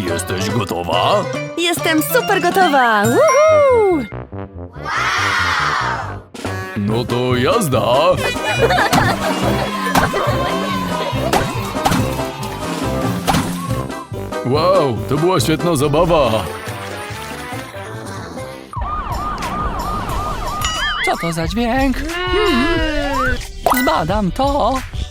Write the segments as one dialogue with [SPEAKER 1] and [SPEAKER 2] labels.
[SPEAKER 1] Jesteś gotowa?
[SPEAKER 2] Jestem super gotowa! Woohoo!
[SPEAKER 1] No to jazda! Wow, to była świetna zabawa!
[SPEAKER 3] Co to za dźwięk? Zbadam to.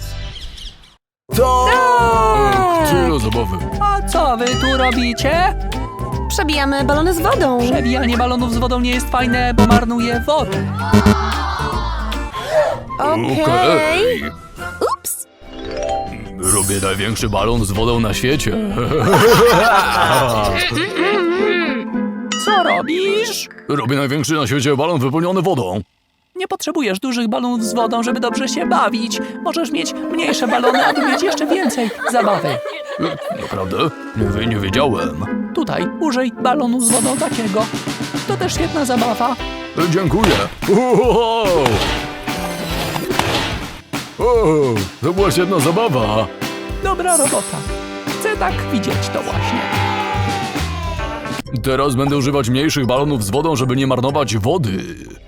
[SPEAKER 1] Tak! Tyle zabawy.
[SPEAKER 3] A co wy tu robicie?
[SPEAKER 2] Przebijamy balony z wodą.
[SPEAKER 3] Przebijanie balonów z wodą nie jest fajne, bo marnuje wodę.
[SPEAKER 2] Okej. Ups.
[SPEAKER 1] Robię największy balon z wodą na świecie.
[SPEAKER 3] Co robisz?
[SPEAKER 1] Robię największy na świecie balon wypełniony wodą.
[SPEAKER 3] Nie potrzebujesz dużych balonów z wodą, żeby dobrze się bawić. Możesz mieć mniejsze balony, aby mieć jeszcze więcej zabawy.
[SPEAKER 1] Naprawdę? Nie wiedziałem.
[SPEAKER 3] Tutaj użyj balonu z wodą takiego. To też świetna zabawa.
[SPEAKER 1] Dziękuję. Wow. O, to była świetna zabawa.
[SPEAKER 3] Dobra robota. Chcę tak widzieć to właśnie.
[SPEAKER 1] Teraz będę używać mniejszych balonów z wodą, żeby nie marnować wody.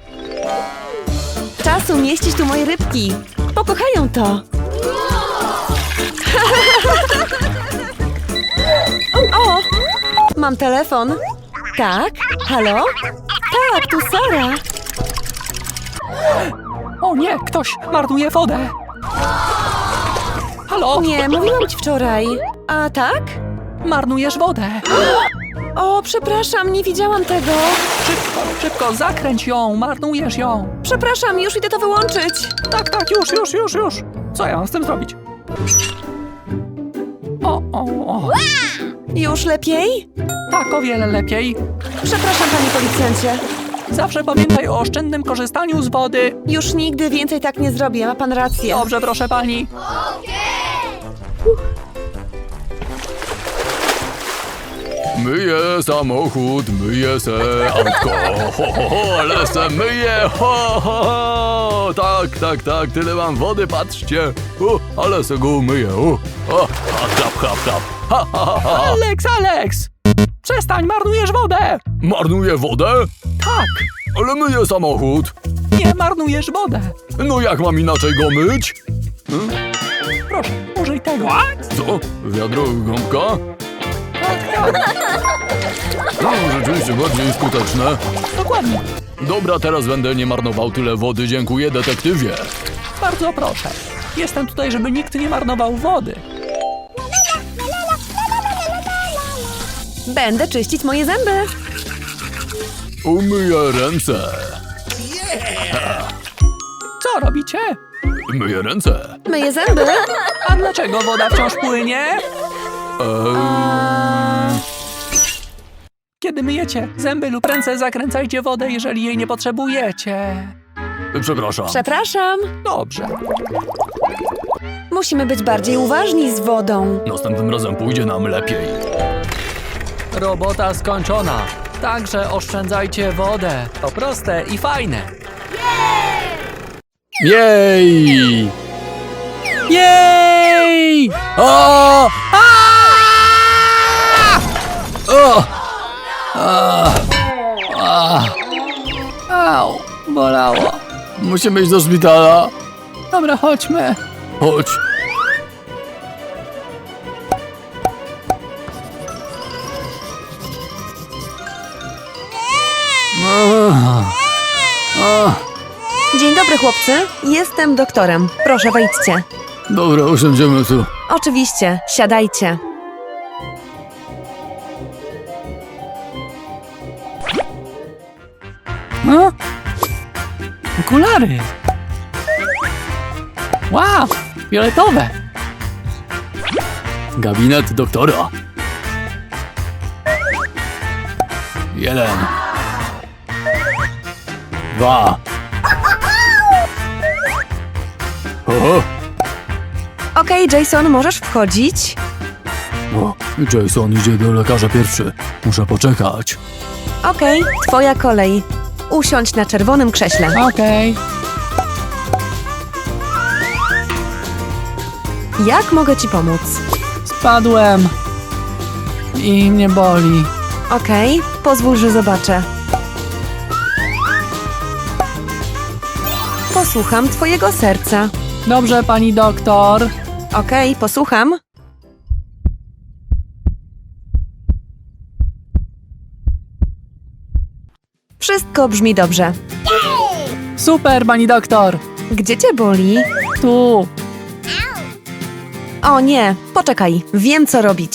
[SPEAKER 2] Czas umieścić tu moje rybki. Pokochają to. O! Mam telefon. Tak? Halo? Tak, tu Sara.
[SPEAKER 3] O nie, ktoś marnuje wodę. Halo?
[SPEAKER 2] Nie, mówiłam ci wczoraj. A tak?
[SPEAKER 3] Marnujesz wodę.
[SPEAKER 2] O, przepraszam, nie widziałam tego.
[SPEAKER 3] Szybko, szybko, zakręć ją, marnujesz ją.
[SPEAKER 2] Przepraszam, już idę to wyłączyć.
[SPEAKER 3] Tak, już. Co ja mam z tym zrobić? O.
[SPEAKER 2] Już lepiej?
[SPEAKER 3] Tak, o wiele lepiej.
[SPEAKER 2] Przepraszam, panie policjancie.
[SPEAKER 3] Zawsze pamiętaj o oszczędnym korzystaniu z wody.
[SPEAKER 2] Już nigdy więcej tak nie zrobię, ma pan rację.
[SPEAKER 3] Dobrze, proszę pani.
[SPEAKER 1] Myję samochód, myję se autko, ale se myję, tak, tyle mam wody, patrzcie, ale se go umyję, chlap,
[SPEAKER 3] Alex! Przestań, marnujesz wodę!
[SPEAKER 1] Marnuję wodę?
[SPEAKER 3] Tak,
[SPEAKER 1] Ale myję samochód.
[SPEAKER 3] nie marnujesz wodę.
[SPEAKER 1] No jak mam inaczej go myć?
[SPEAKER 3] Proszę, użyj tego.
[SPEAKER 1] Co? Wiadro, gąbka?
[SPEAKER 3] Tak.
[SPEAKER 1] No, rzeczywiście bardziej skuteczne.
[SPEAKER 3] Dokładnie.
[SPEAKER 1] Dobra, teraz będę nie marnował tyle wody, dziękuję detektywie.
[SPEAKER 3] Bardzo proszę. Jestem tutaj, żeby nikt nie marnował wody.
[SPEAKER 2] Będę czyścić moje zęby.
[SPEAKER 1] Umyję ręce.
[SPEAKER 3] Co robicie?
[SPEAKER 1] Myję ręce.
[SPEAKER 2] Myję zęby.
[SPEAKER 3] A dlaczego woda wciąż płynie? Kiedy myjecie zęby lub ręce, zakręcajcie wodę, jeżeli jej nie potrzebujecie.
[SPEAKER 1] Przepraszam.
[SPEAKER 2] Przepraszam.
[SPEAKER 3] Dobrze.
[SPEAKER 2] Musimy być bardziej uważni z wodą.
[SPEAKER 1] Następnym razem pójdzie nam lepiej.
[SPEAKER 3] Robota skończona. Także oszczędzajcie wodę. To proste i fajne.
[SPEAKER 1] Jej!
[SPEAKER 3] Jej!
[SPEAKER 1] O! O!
[SPEAKER 3] Au, bolało.
[SPEAKER 1] Musimy iść do szpitala.
[SPEAKER 3] Dobra, chodźmy.
[SPEAKER 1] Chodź.
[SPEAKER 2] Dzień dobry, chłopcy. Jestem doktorem. Proszę, wejdźcie.
[SPEAKER 1] Dobra, usiądziemy tu.
[SPEAKER 2] Oczywiście, siadajcie.
[SPEAKER 3] No? Okulary. Wow, fioletowe.
[SPEAKER 1] Gabinet doktora. 1. 2. O!
[SPEAKER 2] Okej, Jason, możesz wchodzić.
[SPEAKER 1] O, Jason idzie do lekarza pierwszy. Muszę poczekać.
[SPEAKER 2] Okej, twoja kolej. Usiądź na czerwonym krześle.
[SPEAKER 3] Okej.
[SPEAKER 2] Jak mogę ci pomóc?
[SPEAKER 3] Spadłem. i mnie boli.
[SPEAKER 2] Okej, pozwól, że zobaczę. Posłucham twojego serca.
[SPEAKER 3] Dobrze, pani doktor.
[SPEAKER 2] Okej, posłucham. Wszystko brzmi dobrze.
[SPEAKER 3] Super, pani doktor.
[SPEAKER 2] Gdzie cię boli?
[SPEAKER 3] Tu.
[SPEAKER 2] O nie, poczekaj, wiem co robić.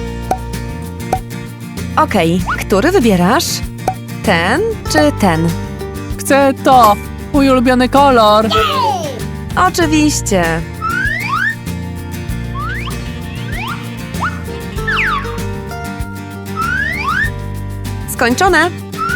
[SPEAKER 2] Okej, który wybierasz? Ten czy ten?
[SPEAKER 3] Chcę to. Mój ulubiony kolor.
[SPEAKER 2] Oczywiście. Skończone.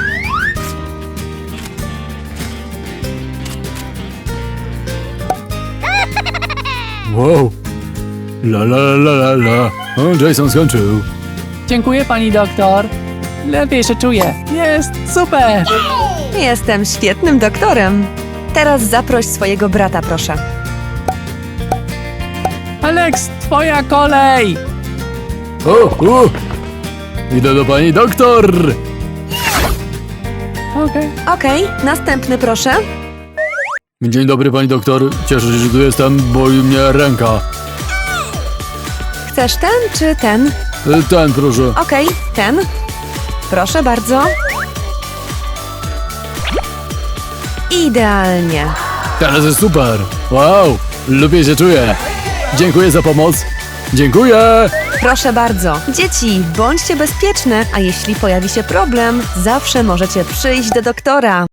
[SPEAKER 1] Wow. La la la la la. O, Jason skończył.
[SPEAKER 3] Dziękuję, pani doktor. Lepiej się czuję. Jest super.
[SPEAKER 2] Jestem świetnym doktorem. Teraz zaproś swojego brata, proszę.
[SPEAKER 3] Alex, twoja kolej.
[SPEAKER 1] O. Idę do pani doktor.
[SPEAKER 3] Okej.
[SPEAKER 2] Okej, następny proszę.
[SPEAKER 1] Dzień dobry, pani doktor. Cieszę się, że tu jestem, boli mnie ręka.
[SPEAKER 2] Chcesz ten czy ten?
[SPEAKER 1] Ten, proszę.
[SPEAKER 2] Okej, ten. Proszę bardzo. Idealnie.
[SPEAKER 1] Teraz jest super. Wow, lepiej się czuję. Dziękuję za pomoc. Dziękuję.
[SPEAKER 2] Proszę bardzo. Dzieci, bądźcie bezpieczne, a jeśli pojawi się problem, zawsze możecie przyjść do doktora.